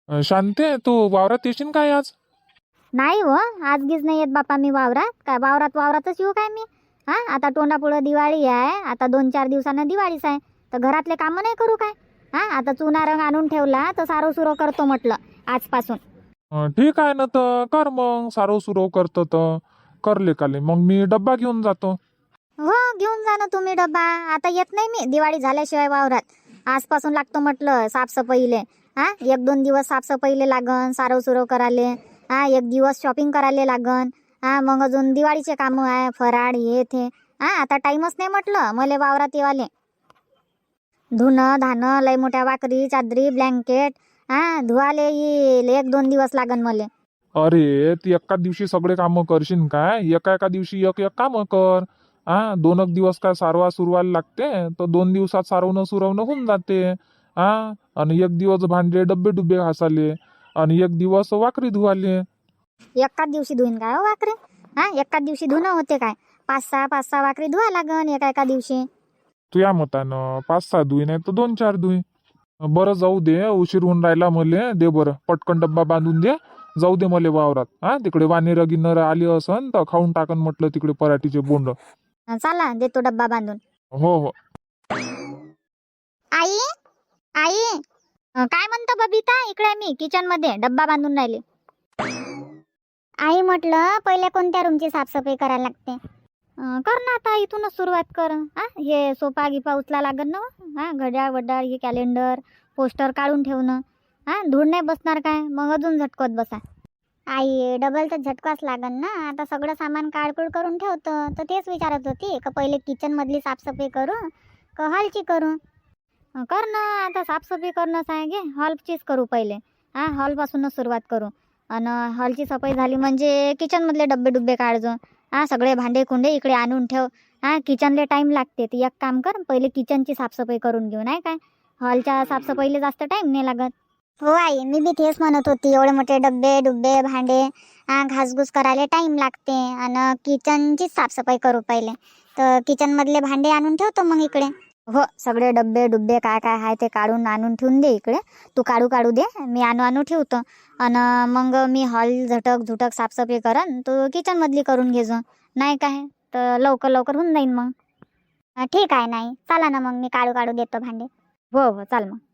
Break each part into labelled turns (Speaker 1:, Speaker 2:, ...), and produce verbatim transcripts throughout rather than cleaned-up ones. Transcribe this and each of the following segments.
Speaker 1: अं, शांते, तू वावरात येशील काय आज?
Speaker 2: नाही हो, आज गीच नाही येत बापा मी वावरात. काय वावरात वावरातच येऊ काय मी? हा, आता तोंडापुढं दिवाळी आहे. आता दोन चार दिवसानं दिवाळीच आहे. तर घरातले कामं नाही करू काय? हा, आता चुना रंग आणून ठेवला तर सारो सुरो करतो म्हटलं आजपासून.
Speaker 1: अं, ठीक आहे ना, तर कर मग. सारव सुरव करतो तर करले काले, मग मी डब्बा घेऊन जातो.
Speaker 2: हो, घेऊन जा ना तुम्ही डब्बा. आता येत नाही मी दिवाळी झाल्याशिवाय वावरात. आजपासून लागतो म्हटलं साफसफाईले. हा, एक दोन दिवस साफसफाईले लागन, सारव सुरव करायले. हा, एक दिवस शॉपिंग करायला लागन. हा, मग अजून दिवाळीचे कामं आहे, फराळ हे ते. हा, आता टाईमच नाही म्हटलं मले वावरात येवाले. धुणं धाणं लय मोठ्या वाकरी चादरी ब्लँकेट हा धुवाले येईल, एक दोन दिवस लागन मले.
Speaker 1: अरे, ती एका दिवशी सगळे कामं करशील काय? एका एका दिवशी एक एक कामं कर. हा, दोन एक दिवस काय सारवा सुरवायला लागते, तर दोन दिवसात सारवणं सुरवणं होऊन जाते. हा, आणि एक दिवस भांडे डब्बे डुब्बे घासाले, आणि एक दिवस वाकरी धुवाले.
Speaker 2: एकाच दिवशी धुईन काय हो वाकरे? हा, एकाच दिवशी धुणं होते काय? पाच सहा पाच सहा वाकरी धुवा लागन एका एका दिवशी.
Speaker 1: तुया मतानं पाच सहा दुई नाही तर दोन चार दुई. बरं, जाऊ दे, उशीर होऊन राहिला मले. दे बरं, पटकन डब्बा बांधून दे. जाऊ दे मले वावरात. हा, तिकडे वानेर गिन्नर आली असन तर खाऊन टाकन म्हटलं तिकडे पराठीचे बोंड.
Speaker 2: चला देतो डब्बा बांधून.
Speaker 1: हो हो.
Speaker 2: आई, आई, अं, काय म्हणतो बबिता? इकडे मी किचन मध्ये डब्बा बांधून राहिले. आई म्हटलं पहिले कोणत्या रूमची साफसफाई करायला लागते? अं, कर ना आता इथूनच सुरुवात कर. हा, हे सोफा गिफा उचला लागन ना. हा, घड्याळ वड्याळ हे कॅलेंडर पोस्टर काढून ठेवणं. हा, धूळ नाही बसणार काय? मग अजून झटकत बसा. आई, डबल तर झटकाच लागन ना. आता सगळं सामान काढकूड करून ठेवतो, तर तेच विचारत होती का पहिले किचन मधली साफसफाई करू का हॉलची करू? अं, कर ना, आता साफसफाई करणंच आहे घे. हॉलचीच करू पहिले. हा, हॉलपासूनच सुरुवात करू. आणि हॉलची सफाई झाली म्हणजे किचन मधले डब्बे डुब्बे काढजो. हा, सगळे भांडे कुंडे इकडे आणून ठेव. हा, किचनले टाइम लागते, तर एक काम कर पहिले किचनची साफसफाई करून घेऊ, नाही काय? हॉलच्या साफसफाईला जास्त टाइम नाही लागत. हो आई, मी बी तेच म्हणत होती. एवढे मोठे डब्बे डुब्बे भांडे हा घासघूस करायला टाइम लागते. आणि किचनचीच साफसफाई करू पहिले. तर किचन मधले भांडे आणून ठेवतो मग इकडे. हो, सगळे डब्बे डुब्बे काय काय आहे ते काढून आणून ठेवून दे इकडे. तू काढू काढू दे, मी आणू आणू ठेवतो. आणि मग मी हॉल झटक झुटक साफसफाई करन, तू किचन मधली करून घेजो, नाही काय? तर लवकर लवकर होऊन जाईन मग. हा, ठीक आहे. नाही चला ना, मग मी काढू काढू देतो भांडे. हो हो, चाल मग.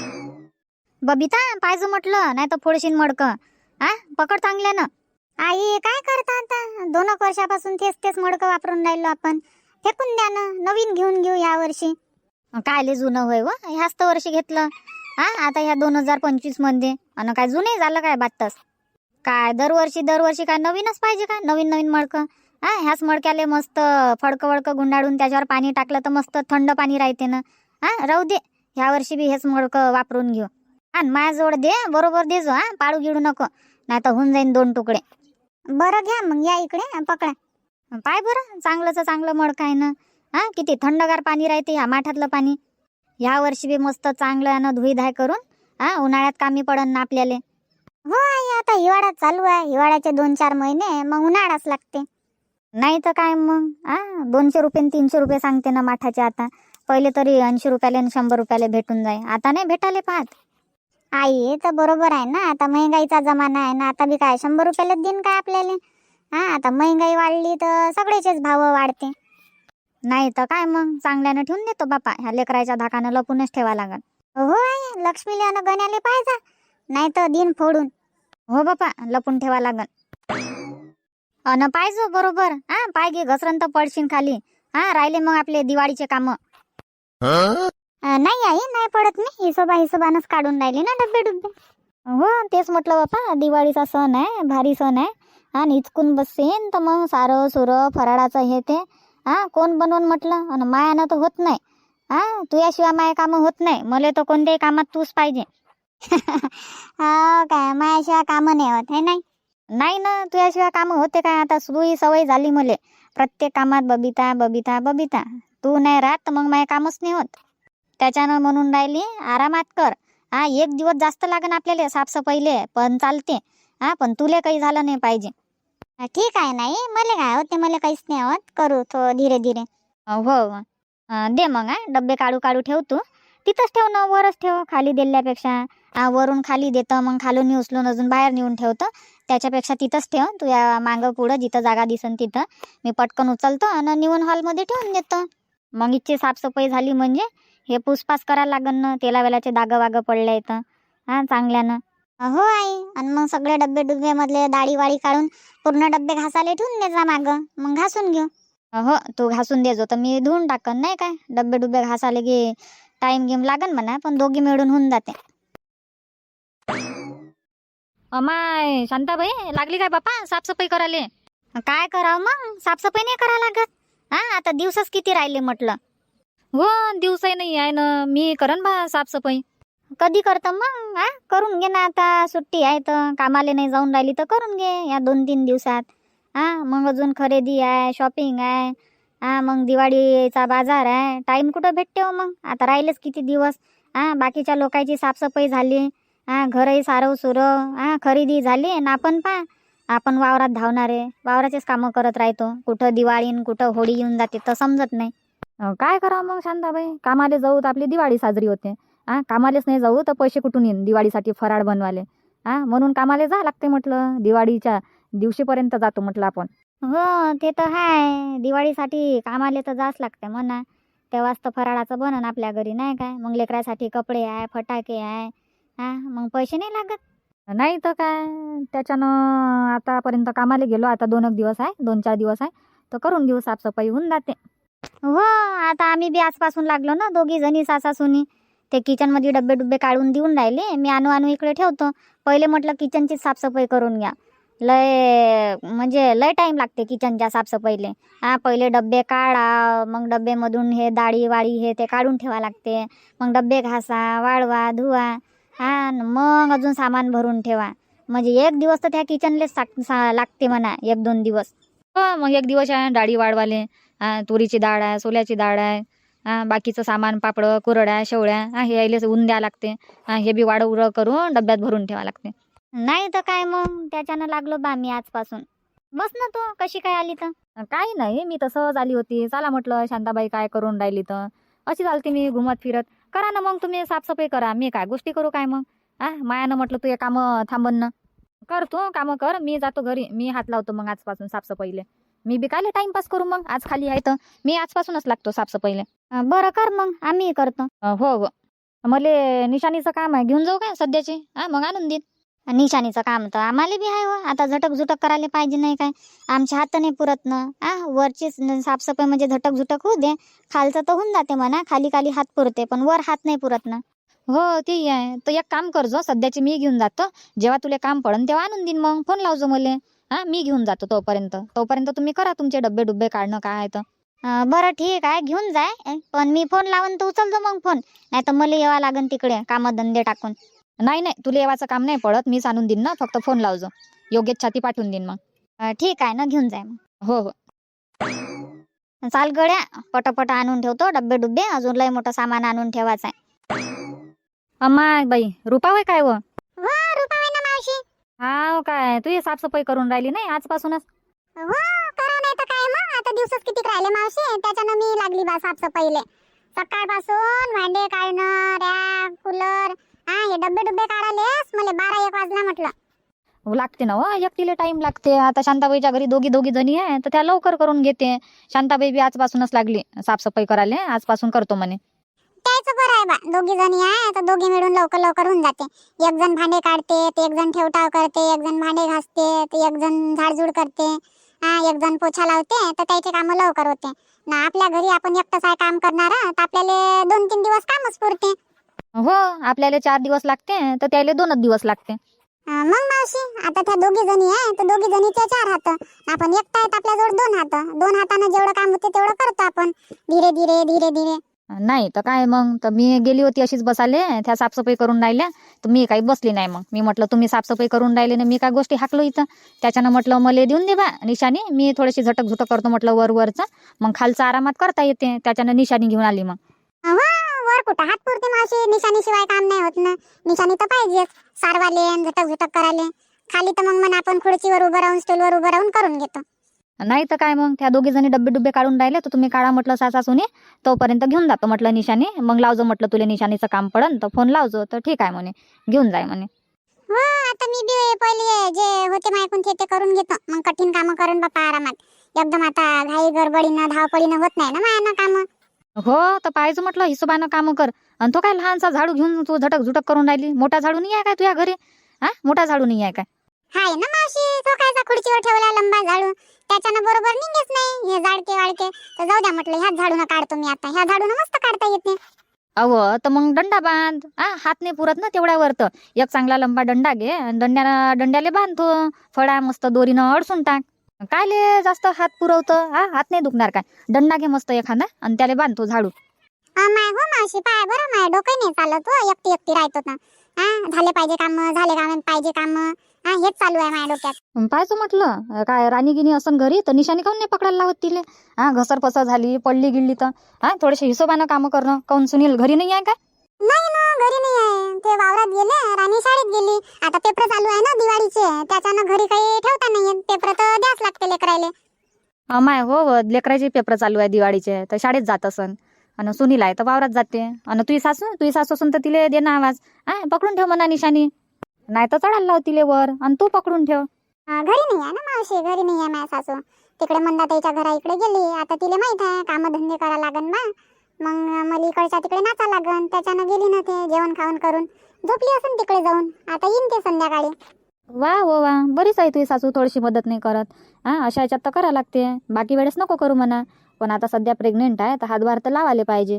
Speaker 2: बबिता, पाहिजे म्हटलं, नाही तर फोडशीन मडकं. हा, पकड चांगल्यानं. आई, काय करता आता? दोन एक वर्षापासून तेच तेच मडकं वापरून राहिलो आपण. फेकून द्या ना, नवीन घेऊन घेऊ ह्या वर्षी. कायले जुनं होय व, ह्याच तर वर्षी घेतलं. हा, आता ह्या दोन हजार पंचवीस मध्ये. आणि काय जुने झालं काय बातच? काय दरवर्षी दरवर्षी काय नवीनच पाहिजे का? नवीन नवीन मडकं. हा, ह्याच मडक्याले मस्त फडकं वडकं गुंडाळून त्याच्यावर पाणी टाकलं तर मस्त थंड पाणी राहते ना. हा, राहू दे, ह्या वर्षी बी हेच मडकं वापरून घेऊ. आणि माझ्याजवळ दे, बरोबर देजो. हा, पाळू गिळू नको, नाही तर होऊन जाईन दोन तुकडे. बरं, घ्या मग, या इकडे पकडा. पाय बरं, चांगलंच चांगलं मडकं आहे ना. हा, किती थंडगार पाणी राहते ह्या माठातलं पाणी. ह्या वर्षी बी मस्त चांगलं आहे ना, धुई धाय करून. हा, उन्हाळ्यात कामी पडन ना आपल्याला. हो आई, आता हिवाळा चालू आहे. हिवाळ्याचे दोन चार महिने मग उन्हाळाच लागते. नाही तर काय मग. हा, दोनशे रुपये तीनशे रुपये सांगते ना माठाचे आता. पहिले तरी ऐंशी रुपयाले आणि शंभर रुपयाले भेटून जाय, आता नाही भेटाले पाहत. आई, तर बरोबर आहे ना, आता महागाईचा जमाना आहे ना. आता बी काय शंभर रुपयालाच देईन काय आपल्याला? हा, आता महागाई वाढली तर सगळेचेच भाव वाढते. नाही तर काय मग, चांगल्यानं ठेवून देतो बापा. ह्या लेकराच्या धाकानं लपूनच ठेवा लागल. हो आई, लक्ष्मीले अन गण्याले पाहिजे, नाही तर दिन फोडून. हो बापा, लपून ठेवा लागल. अन पाहिजो बरोबर. हा, पाय घे घसरण तर पडशील खाली. हा, राहिले मग आपले दिवाळीचे काम. नाही आई, नाही पडत. मी हिशोबा हिशोबानच काढून राहिली ना डब्बे डुब्बे. हो, तेच म्हटलं बापा, दिवाळीचा सण आहे, भारी सण आहे. हा, इचकून बसेन तर मग सारं सुरं फराळाचं हे ते हा कोण बनवून म्हटलं. आणि मायानं तर होत नाही. हा, तुझ्याशिवाय माया कामं होत नाही. मला तर कोणत्याही कामात तूच पाहिजे. हा, काय मायाशिवाय कामं नाही होत, हे नाही? नाही ना, तुझ्याशिवाय कामं होते काय? आता सुई सवय झाली मले, प्रत्येक कामात बबिता बबिता बबिता. तू नाही राहत तर मग माझे कामच नाही होत. त्याच्यानं म्हणून राहिली आरामात कर. हा, एक दिवस जास्त लागन आपल्याला साफसफाईले, पण चालते. हा, पण तुले काही झालं नाही पाहिजे. ठीक आहे. नाही मला काय होते, मला काहीच नाही होत. करू तो धीरे धीरे. हो, अं, दे मग. हा, डब्बे काढू काढू ठेव तू. तिथंच ठेव ना, वरच ठेव, खाली दिल्यापेक्षा. आ, वरून खाली देतं, मग खालून उचलून अजून बाहेर नेऊन ठेवतं. त्याच्यापेक्षा तिथंच ठेव, तू या मागं पुढं जिथं जागा दिसन तिथं. मी पटकन उचलतो आणि नेऊन हॉलमध्ये ठेवून देतो. मग इथची साफसफाई झाली म्हणजे हे पुसपास करायला लागन ना, तेला वेलाचे दागं वागं पडले इथं हा चांगल्यानं. हो आई, आणि मग सगळे डब्बे डुब्बे मधले दाढी वाडी काढून पूर्ण डब्बे घासाले ठेवून दे जा मागं, मग घासून घेऊ. हो, तू घासून देजो तर मी धुवून टाकन, नाही काय. डब्बे डुब्बे घासाले की टाइम गेम लागन म्हणा, पण दोघी मिळून होऊन जाते.
Speaker 3: अमाय शांताबाई, लागली काय बापा साफसफाई करायले?
Speaker 2: काय करावं मग, साफसफाई नाही करा लागत. हा, आता दिवसच किती राहिले म्हटलं.
Speaker 3: हो, दिवसही नाही आहे ना, मी करन बा साफसफाई.
Speaker 2: कधी करतं मग? हा, करून घे ना, आता सुट्टी आहे तर. कामाले नाही जाऊन राहिली तर करून घे या दोन तीन दिवसात. हा, मग अजून खरेदी आहे, शॉपिंग आहे. हा, मग दिवाळीचा बाजार आहे. टाइम कुठं भेटते हो मग, आता राहिलेच किती दिवस. हा, बाकीच्या लोकांची साफसफाई झाली, हा घरही सारव सुरव, हा खरेदी झाली ना. आपण पा आपण वावरात धावणारे, वावराचेच कामं करत राहतो. कुठं दिवाळी न कुठं होळी येऊन जाते तर समजत नाही.
Speaker 3: अं, काय करावं मग शांताबाई, कामाले जाऊ तर आपली दिवाळी साजरी होते. हा, कामालेच नाही जाऊ तर पैसे कुठून येईन दिवाळीसाठी फराळ बनवाले. हा, म्हणून कामाले जा लागते म्हटलं, दिवाळीच्या दिवशीपर्यंत जातो म्हटलं आपण.
Speaker 2: हो, ते तर आहे, दिवाळीसाठी कामाले तर जाच लागते म्हणा. तेव्हाच तर फराळाचं बनन आपल्या घरी, नाही काय. मग लेकरासाठी कपडे आहे, फटाके आहे. हा, मग पैसे नाही लागत.
Speaker 3: नाही तर काय, त्याच्यानं आतापर्यंत कामाला गेलो, आता दोन एक दिवस आहे, दोन चार दिवस आहे तर करून घेऊ, साफसफाई होऊन जाते.
Speaker 2: हो, आता आम्ही बी आजपासून लागलो ना, दोघी जणी सासा सुनी. ते किचन मध्ये डब्बे डुब्बे काढून देऊन राहिले, मी आणू आणू इकडे ठेवतो. पहिले म्हटलं किचनची साफसफाई करून घ्या, लय म्हणजे लय टाइम लागते किचनच्या साफसफाईले. हा, पहिले डब्बे काढा, मग डब्बेमधून हे दाढी वाळी हे ते काढून ठेवा लागते. मग डब्बे घासा, वाळवा, धुवा. हा, न मग अजून सामान भरून ठेवा. म्हणजे एक दिवस तर त्या किचनलेच लागते म्हणा, एक दोन दिवस.
Speaker 3: हो, मग एक दिवस आहे डाळी वाढवाले. हा, तुरीची डाळ आहे, सोल्याची डाळ आहे. हा, बाकीचं सामान पापड कुरड्या शेवळ्या, हा हे यायलेच ऊन द्या लागते. हा, हे बी वाढ उरळ करून डब्यात भरून ठेवा लागते.
Speaker 2: नाही तर काय, मग त्याच्यानं लागलो बा मी आजपासून. बस ना, तू कशी काय आली तर?
Speaker 3: काही नाही, मी तर सहज आली होती. चला म्हटलं शांताबाई काय करून राहिली तर अशी चालते मी घुमत फिरत. करा ना मग तुम्ही साफसफाई करा, मी काय गोष्टी करू काय मग. हा, मायानं म्हटलं तू हे कामं थांबन ना. कर तू कामं कर, मी जातो घरी. मी हात लावतो मग आजपासून साफसफाईले. मी बी कायले टाइमपास करू, मग आज खाली आहे तर मी आजपासूनच लागतो साफसफाईले.
Speaker 2: अं, बरं कर मग, आम्ही करतो.
Speaker 3: अं, हो हो, मले निशाणीचं काम आहे, घेऊन जाऊ काय सध्याचे? हा, मग आणून देईन.
Speaker 2: निशाणीचं काम तर आम्हाला बी आहे हो, आता झटक झुटक करायला पाहिजे नाही काय. आमच्या हात नाही पुरत ना. आ, वरची साफसफाई म्हणजे झटक झुटक होऊ दे, खालचं तर होऊन जाते म्हणा. खाली खाली हात पुरते, पण वर हात नाही पुरत ना.
Speaker 3: हो, ते आहे तर एक काम करजो, सध्याचे मी घेऊन जातो. जेव्हा तुला काम पडन तेव्हा आणून देईन, मग फोन लावजो मले. हा, मी घेऊन जातो तोपर्यंत. तोपर्यंत तुम्ही करा तुमचे डब्बे डुब्बे काढणं काय आहे तर.
Speaker 2: अं, बरं ठीक आहे, घेऊन जाय. पण मी फोन लावून तर उचलतो मग फोन, नाही तर मला यावं लागन तिकडे कामं धंदे टाकून.
Speaker 3: नाही नाही, तुला येवाचं काम नाही पडत, मीच आणून देईन ना. फक्त फोन लावजो, योग्य छाती पाठवून देईन मग.
Speaker 2: अं, ठीक आहे ना, घेऊन जाय मग.
Speaker 3: हो हो.
Speaker 2: चाल गड्या, पटापट आणून ठेवतो डब्बे डुब्बे, अजून लय मोठं सामान आणून ठेवायचं आहे.
Speaker 3: अम्मा बाई, रुपा होय काय व?
Speaker 2: हो, रुपाबाई ना मावशी.
Speaker 3: हा काय, तू हे साफसफाई करून राहिली नाही आजपासूनच?
Speaker 2: हो, करा नाही तर काय मग, आता दिवसच किती राहिले मावशी, त्याच्यानं मी लागली बा साफसफाईले. सकाळपासून भांडे काढणं, रॅक कूलर, हा हे डब्बे डुब्बे काढालेच मला बारा एक वाजला म्हटलं.
Speaker 3: लागते ना व, एकटीला टाइम लागते. आता शांताबाईच्या घरी दोघी दोघी जणी आहे तर त्या लवकर करून घेते. शांताबाई बी आजपासूनच लागली साफसफाई करायला, आजपासून करतो म्हणे.
Speaker 2: त्याचं बरं आहे बा, दोघी जणी आहे तर दोघी मिळून लवकर लवकर होऊन जाते. एक जण भांडे काढते, तर एक जण ठेवटाव करते, एक जण भांडे घासते, तर एक जण झाडझूड करते, हा एक जण पोछा लावते, तर त्याचे कामं लवकर होते ना. आपल्या घरी आपण एकटंच आहे काम करणारा, तर आपल्याला दोन तीन दिवस कामच पुरते.
Speaker 3: हो, आपल्याला चार दिवस लागते तर त्याला दोनच दिवस लागते.
Speaker 2: अं, मग मावशी, आता त्या दोघी जणी आहे तर दोघी जणीचे चार हात, आपण एकटा आहेत आपल्याजवळ दोन हात. दोन हातानं जेवढं काम होते तेवढं करतो आपण, धीरे धीरे धीरे धीरे.
Speaker 3: नाही तर काय, मग तर मी गेली होती अशीच बसाले, त्या साफसफाई करून राहिल्या तर मी काही बसली नाही. मग मी म्हटलं तुम्ही साफसफाई करून राहिले ना, मी काय गोष्टी हाकलो इथं. त्याच्यानं म्हटलं मला देऊन दे बा निशाणी, मी थोडीशी झटक झुटक करतो म्हटलं वर वरचं, मग खालचं आरामात करता येते. त्याच्यानं निशाणी घेऊन आली मग.
Speaker 2: हो, वर कुठं हात पुरते मावशी, निशाणी शिवाय काम नाही होत ना. निशाणी तर पाहिजेच, सारवाले झटक झुटक करायले. खाली तर मग म्हणा आपण खुर्चीवर उभं राहून स्टूलवर उभं राहून करून घेतो.
Speaker 3: नाही तर काय मग त्या दोघी जणी डब्बे डुब्बे काढून राहिले तर तुम्ही काढा म्हटलं सासा सुने, तोपर्यंत घेऊन जातो म्हटलं निशाणी. मग लावजो म्हटलं तुला निशाणीचं काम पडन तर फोन लावजो. तर ठीक आहे म्हणे, घेऊन जाय म्हणे.
Speaker 2: हो आता मी बी पहिले जे होते मायकून ते ते करून घेतो. मग कठीण कामं करून बापा आरामात. एकदम आता घाई गडबडीनं धावपळीनं होत नाही ना मायानं कामं.
Speaker 3: हो तर पाहिजे म्हटलं हिशोबानं कामं कर. आणि तो काय लहानसा झाडू घेऊन तू झटक झुटक करून राहिली? मोठा झाडू नाही आहे काय तुझ्या घरी? हा मोठा झाडू नाही आहे काय?
Speaker 2: हाय ना मावशी, तो कायचा खुर्चीवर ठेवला लंबा झाडू, त्याच्यानं बरोबर निघेच नाही हे जाडके वाळके. तर जाऊ द्या म्हटलं, ह्याच झाडून काढतो मी आता. ह्या झाडून मस्त काढता येते.
Speaker 3: अव तर मग दंडा बांध. हा हात नाही पुरत ना तेवढ्यावर, तर एक चांगला लंबा दंडा घे आणि दंड्याला दंड्याले बांधतो फळा मस्त दोरीनं अडसून टाक. कायले जास्त हात पुरवतं? हा हात नाही दुखणार काय? दंडा घे मस्त एखादा आणि त्याला बांधतो झाडू.
Speaker 2: माय हो मावशी, पाय बरं माय डोकं नाही चालत हो, एकटी एकटी राहतो ना. हा झाले पाहिजे काम, झाले काम पाहिजे काम. हा हेच चालू आहे माझ्या डोक्यात.
Speaker 3: पाहायचं म्हटलं काय राणी गिनी असं घरी तर निशाणी काऊन नाही पकडायला लावत तिले? हा घसर पसर झाली पडली गिळली तर हा थोडेसे हिशोबानं कामं करणं. काऊन सुनील घरी नाही आहे काय?
Speaker 2: नाही ना, घरी नाही आहे. ते वावरात गेले, राणी शाळेत गेली. आता पेपर चालू आहे ना दिवाळीचे, त्याच्यानं घरी काही ठेवता नाही येत. पेपर तर द्याच लागते लेकरायले.
Speaker 3: माय हो हो, लेकराचे पेपर चालू आहे दिवाळीचे तर शाळेत जात असन. आणि सुनील आहे तर वावरात जाते. आणि तुझी सासू तुझी सासू असून तर तिले दे ना आवाज. हा पकडून ठेव म्हणा निशाणी, नाही तर चढायला लाव तिले वर आणि तू पकडून ठेव.
Speaker 2: घरी नाही आहे ना मावशी, घरी नाही आहे माझ्या सासू. तिकडे मंदाताईच्या घरा इकडे गेली. आता तिला माहित आहे काम धंदे करा लागन बा. मग मला इकडच्या तिकडे नाचा लागन, त्याच्यानं गेली ना ते जेवण खाऊन करून झोपली असून तिकडे जाऊन. आता येईन ते संध्याकाळी.
Speaker 3: वा हो वा, बरीच आहे तुझी सासू, थोडीशी मदत नाही करत. हा अशा ह्याच्यात तर करा लागते, बाकी वेळेस नको करू म्हणा. पण आता सध्या प्रेग्नेंट आहे तर हातभार तर लावायला पाहिजे.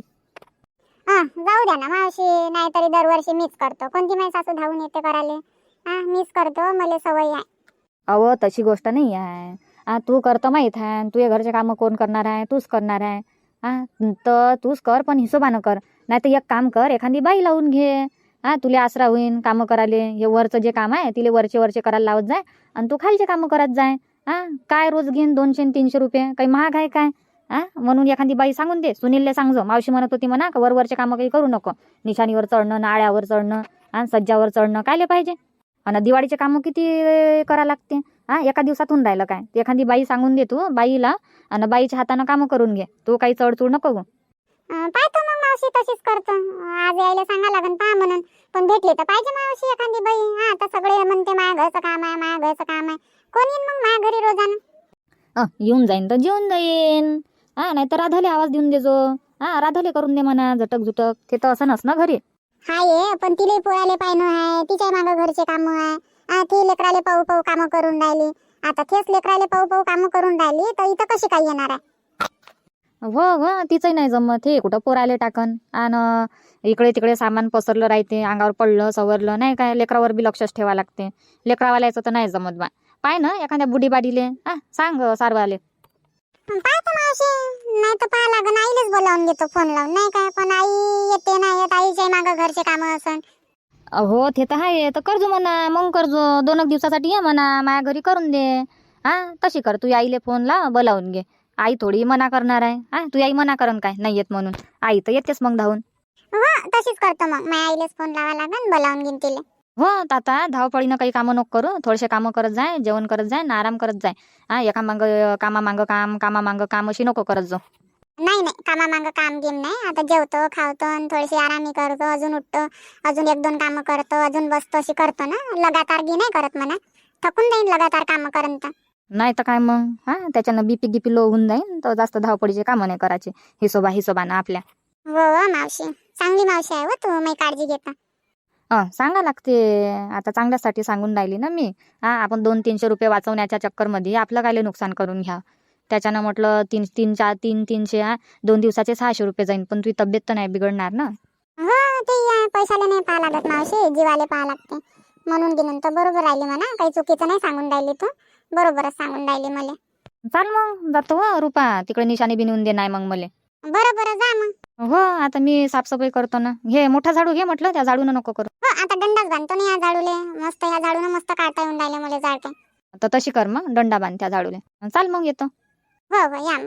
Speaker 2: हा जाऊ द्या ना मावशी, नाहीतरी दरवर्षी मीच करतो. कोणती माझी सासू धावून येते करायला? हा मीच करतो, मला सवय आहे.
Speaker 3: अहो तशी गोष्ट नाही आहे. हा तू करतो माहीत आहे, तुझ्या घरचे कामं कोण करणार आहे? तूच करणार आहे. हा तर तूच कर, पण हिशोबानं कर. नाही तर एक काम कर, एखादी बाई लावून घे. हा तुला आसरा होईन कामं करायला. हे वरचं जे काम आहे तिले वरचे वरचे करायला लावत जाय आणि तू खालचे कामं करत जाय. हा काय रोज घेईन दोनशे तीनशे रुपये, काही महाग आहे काय? हा म्हणून एखादी बाई सांगून दे. सुनीलले सांगजो, मावशी म्हणत होती म्हणा वर वरचे कामं काही करू नको. निशाणीवर चढणं, नाळ्यावर चढणं, आणि सज्जावर चढणं कायले पाहिजे. आणि दिवाळीचे कामं किती करा लागते? हा एका दिवसात होऊन राहिलं काय? एखादी बाई सांगून दे तू बाईला, आणि बाईच्या हातानं कामं करून घे. तू काही चढचूड नको गो.
Speaker 2: पाहतो मग मावशी, तशीच करतो. आज यायला सांगा लागन पहा म्हणून. पण भेटली तर पाहिजे मावशी एखादी बाई. हा आता सगळे म्हणते माझ्या घरचं काम आहे, माझ्या घरचं काम आहे. कोण येईन मग माझ्या घरी रोजानं?
Speaker 3: अ येऊन जाईन तर जेवून जाईन. हा नाही तर राधाले आवाज देऊन देजो. हा राधाले करून दे म्हणा झटक झुटक. ते तर असं नस ना घरी.
Speaker 2: हाय पण तिले पोळाले पाहिणं आहे, तिच्या मागं घरचे काम आहे. हा ती लेकराले पाहू पाहू कामं करून राहिली. आता तेच लेकराले पाहू पाहू कामं करून राहिली तर इथं कशी काय येणार आहे?
Speaker 3: हो हो तिचंही नाही जमत. हे कुठं पोराले टाकन. आणि इकडे तिकडे सामान पसरलं राहते, अंगावर पडलं सवरलं नाही काय, लेकरावर बी लक्षच ठेवा लागते. लेकरावाल्याचं तर नाही जमत बा. पाय ना एखाद्या बुडी बाडीले हा सांग सारवाले.
Speaker 2: पाहतो मावशी, नाही तर पाहा लागन. आईलेच बोलावून घेतो फोन लावून, नाही काय. पण आई येते नाही येत, आईच्या मागं घरचे कामं असन.
Speaker 3: हो ते तर आहे, तर करजो म्हणा. मग करजो दोन एक दिवसासाठी ये म्हणा माझ्या घरी करून दे. हा तशी कर, तू आईले फोन ला बोलावून घे. आई थोडी मना करणार आहे? हा तू आई मना करन काय नाही येत म्हणून? आई तर येतेच मग धावून.
Speaker 2: हो तशीच करतो मग. माझ्या आईलेच फोन लावा लागन, बोलावून घेईन तिले.
Speaker 3: हो आता धावपळीनं काही कामं नको करू. थोडेसे कामं करत जाय, जेवण करत जाय ना आराम करत जाय. हा एका मांग कामा मांग काम, कामा मांग काम अशी नको करत जाऊ.
Speaker 2: नाही नाही, कामा मागं काम गेम नाही. आता जेवतो खावतो आणि थोडीशी आरामी करतो, अजून उठतो, अजून एक दोन कामं करतो, अजून बसतो, अशी करतो ना. लगातार गी नाही करत म्हणा, थकून जाईन लगातार कामं करन तर.
Speaker 3: नाही तर काय मग. हा त्याच्यानं बीपी गिपी लो होऊन जाईन तर जास्त धावपळीचे कामं नाही करायचे. हिशोबा हिशोबानं आपल्या.
Speaker 2: हो हो मावशी, चांगली मावशी आहे हो तू, मी काळजी घेता.
Speaker 3: अ सांगा लागते. आता चांगल्यासाठी सांगून राहिली ना मी. हा आपण दोन तीनशे रुपये वाचवण्याच्या चक्करमध्ये आपलं कायले नुकसान करून घ्या. त्याच्यानं म्हटलं तीन तीन चार तीन तीनशे हा दोन दिवसाचे सहाशे रुपये जाईन. पण तुझी तब्येत तर नाही बिघडणार ना?
Speaker 2: हो ते आहे, पैशाला नाही पाहा लागत मावशी, जीवाले पाहा लागते. म्हणून गेलं तर बरोबर राहिली म्हणा, काही चुकीचं नाही सांगून राहिली तू, बरोबरच सांगून राहिली मला.
Speaker 3: चाल मग जातो हो रुपा, तिकडे निशाणी बी नेऊन दे नाही मग मले.
Speaker 2: बरं बरं जा मग.
Speaker 3: हो आता मी साफसफाई करतो ना. घे मोठा झाडू घे म्हटलं, त्या झाडूनं नको करू.
Speaker 2: हो आता दंडाच बांधतो ना या झाडूले. मस्त ह्या झाडून मस्त काढता येऊन राहिले मला झाडते.
Speaker 3: तर तशी कर मग, दंडा बांध त्या झाडूले. चाल मग येतो.
Speaker 2: हो हो या मग.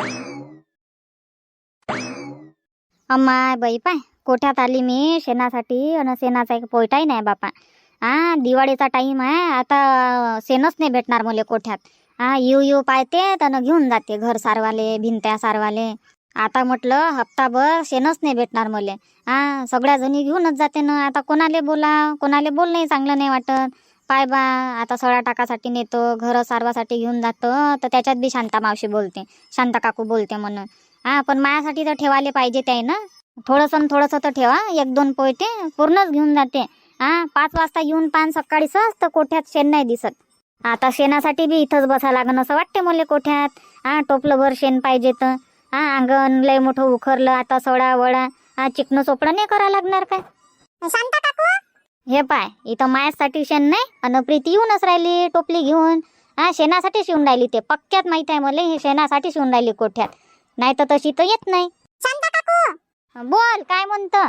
Speaker 2: अम्माय बाई पाय, कोठ्यात आली मी शेणासाठी, आणि शेणाचा एक पोयटाही नाही बापा. हा दिवाळीचा टाइम आहे, आता शेणच नाही भेटणार मला कोठ्यात. हा येऊ येऊ पाहते तर घेऊन जाते घर सारवाले भिंत्या सारवाले. आता म्हटलं हप्ताभर शेणच नाही भेटणार मले. हा सगळ्या जणी घेऊनच जाते ना. आता कोणाले बोला कोणाले बोलणंही चांगलं नाही वाटत. पाय बा आता सळा टाकासाठी नेतो घर सारवासाठी घेऊन जातो तर त्याच्यात बी शांता मावशी बोलते शांता काकू बोलते म्हणून. हा पण माझ्यासाठी तर ठेवायला पाहिजे ते ना. थोडंसं थोडंसं तर ठेवा. एक दोन पोयते पूर्णच घेऊन जाते. हा पाच वाजता येऊन पान सकाळी सहज तर कोठ्यात शेण नाही दिसत. आता शेणासाठी बी इथंच बसा लागन असं वाटते मला कोठ्यात. हा टोपलंभर शेण पाहिजे तर. हा अंगण लय मोठं उखरलं आता सडा वडा. हा चिकनं चोपडं नाही करा लागणार काय.
Speaker 4: शांता काकू
Speaker 2: हे पाय इथं मायासाठी शेण नाही अन प्रीती येऊनच राहिली टोपली घेऊन. हा शेणासाठी शिवून राहिली ते पक्क्यात माहित आहे मला. हे शेणासाठी शिवून राहिली कोठ्यात. नाही तर तशी तर येत नाही.
Speaker 4: शांता काकू
Speaker 2: बोल काय म्हणतं.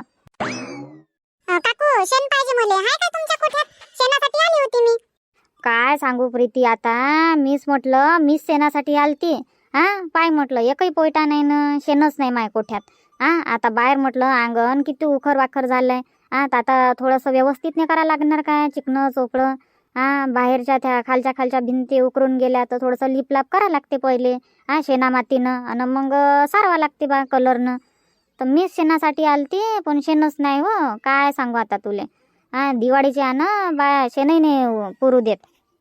Speaker 4: अ, काकू शेण पाहिजे मले. हाय का तुमच्या कोठ्यात? शेणासाठी आली होती मी.
Speaker 2: काय सांगू प्रीती आता मीच म्हटलं मीच शेणासाठी आलती. हा पाय म्हटलं एकही पोयटा नाही ना शेणच नाही माय कोठ्यात. हा आता बाहेर म्हटलं अंगण किती उखर वाखर झालंय. हा तर आता थोडंसं व्यवस्थित नाही करायला लागणार काय चिकनं चोपडं. हा बाहेरच्या त्या खालच्या खालच्या भिंती उकरून गेल्या तर थोडंसं लिपलाप करा लागते पहिले. हा शेणा मातीनं आणि मग सारवा लागते बा कलरनं. तर मीच शेणासाठी आलती पण शेणच नाही हो. काय सांगू आता तुले. हा दिवाळीचे आहे ना बा शेणही नाही पुरू देत.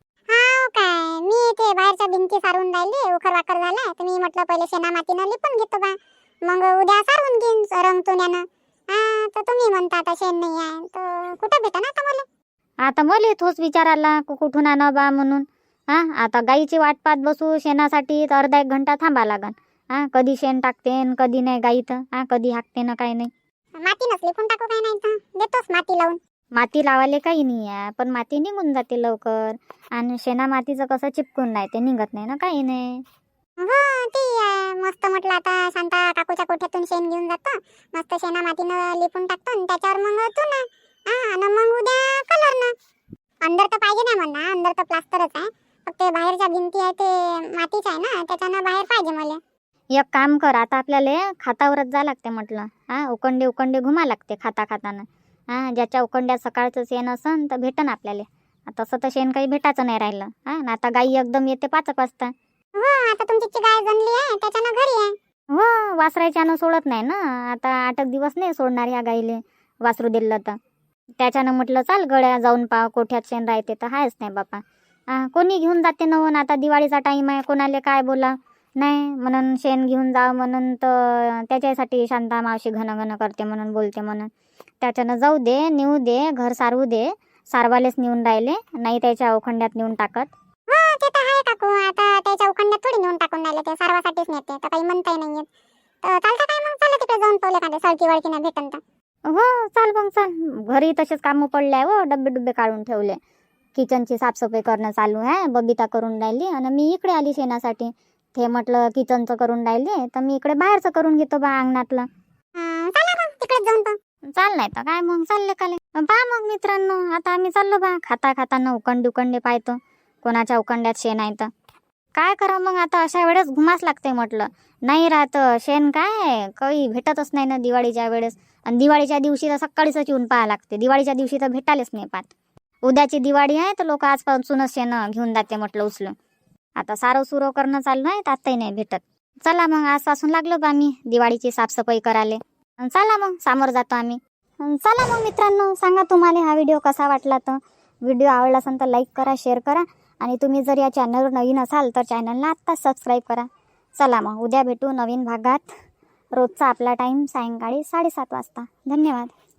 Speaker 4: हाव काय मी ते बाहेरच्या भिंती सारून राहिली उखर वाकर झाला तर मी म्हटलं पहिले शेणा मातीनं लिपून घेतो बा. मग उद्या सारून घेईन रंगतुण्यानं. हा तर तुम्ही म्हणता आता शेण नाही आहे तर कुठं भेटा ना आता मला.
Speaker 2: आता मला तोच विचार आला कु- कुठून आणा बा म्हणून. हा आता गाईची वाट पाहत बसू शेणासाठी तर अर्धा एक घंटा थांबा लागन. हा कधी शेण टाकते न कधी नाही गाई तर. हा कधी हाकते ना काही नाही.
Speaker 4: माती नसली पण टाकू काय नाही तर देतोच माती लावून.
Speaker 2: माती लावायला काही नाही आहे पण माती निघून जाते लवकर. आणि शेणा मातीचं कसं चिपकून नाही ते निघत नाही ना काही नाही.
Speaker 4: हो ती आहे. मस्त म्हटलं आता शांता काकूच्या कोठ्यातून शेण घेऊन जातो. मस्त शेणा मातीनं लिपून टाकतो आणि त्याच्यावर मग चुना. हा आणि मग उद्या कलरनं. अंदर तर पाहिजे नाही म्हणा अंदर तर प्लास्टरच आहे. फक्त बाहेरच्या भिंती आहे ते मातीच आहे ना त्याच्यानं बाहेर पाहिजे मला.
Speaker 2: एक काम कर आता आपल्याला खातावरच जा लागते म्हटलं. हा उकंडे उकंडे घुमा लागते खाता खाताना. हा ज्याच्या उकंड्यात सकाळचं शेण असन तर भेटन आपल्याला. तसं तर शेण काही भेटायचं नाही राहिलं. हा ना आता गाई एकदम येते पाच वाजता.
Speaker 4: हो आता तुमची गाय जनली आहे त्याच्यानं घरी आहे.
Speaker 2: हो वासरायच्यानं सोडत नाही ना. आता आठ एक दिवस नाही सोडणार या गाईले वासरू दिलं तर. त्याच्यानं म्हटलं चाल गड्या जाऊन पाव कोठ्यात शेण राहते तर हायच नाही बापा. हा कोणी घेऊन जाते नवन आता दिवाळीचा टाईम आहे कोणाले काय बोला नाही म्हणून शेण घेऊन जा म्हणून तर त्याच्यासाठी शांता मावशी घन घन करते म्हणून बोलते म्हणून. त्याच्यानं जाऊ दे नेऊ दे घर सारवू दे. सारवालेच नेऊन राहिले नाही त्याच्या अवखंड्यात नेऊन टाकत.
Speaker 4: हो ते तर आहे काकू आता त्याच्या उखंड्यात थोडी नेऊन टाकून राहिले ते सारवासाठीच नेते तर काही म्हणताही नाही येत. तर चालतं काय मग चला तिकडे जाऊन पावले का सळकी वळकी नाही भेटन तर.
Speaker 2: हो चाल मग चाल. घरी तसेच कामं पडले आहे हो डब्बे डुब्बे काढून ठेवले. किचनची साफसफाई करणं चालू आहे. बबिता करून राहिली आणि मी इकडे आली शेणासाठी. ते म्हटलं किचनचं करून राहिले तर मी इकडे बाहेरचं करून घेतो बा अंगणातलं.
Speaker 4: हं, चला मग तिकडेच जाऊन पाहू.
Speaker 2: चाल नाही तर काय मग चालले काले पहा मग मित्रांनो. आता आम्ही चाललो बा खाता खाताना उकंडे उकंडे पाहतो कोणाच्या उकंड्यात शेण आहे तर काय करा मग. आता अशा वेळेस घुमास लागते म्हटलं. नाही राहत शेण काय काही भेटतच नाही ना दिवाळीच्या वेळेस. आणि दिवाळीच्या दिवशी तर सकाळीच येऊन पाहा लागते. दिवाळीच्या दिवशी तर भेटायलाच नाही पाहत. उद्याची दिवाळी आहे तर लोक आजपासूनच शेण घेऊन जाते म्हटलं उचलून. आता सारं सुरो करणं चालू आहे तर आताही नाही भेटत. चला मग आजपासून लागलो बा मी दिवाळीची साफसफाई करायला. अन चला मग सामोर जातो आम्ही. अन चला मग मित्रांनो सांगा तुम्हाला हा व्हिडिओ कसा वाटला तर. व्हिडिओ आवडला असेल तर लाईक करा शेअर करा. आणि तुम्ही जर या चॅनलवर नवीन असाल तर चॅनलला आत्ताच सबस्क्राईब करा. चला मग उद्या भेटू नवीन भागात. रोजचा आपला टाईम सायंकाळी साडेसात वाजता. धन्यवाद.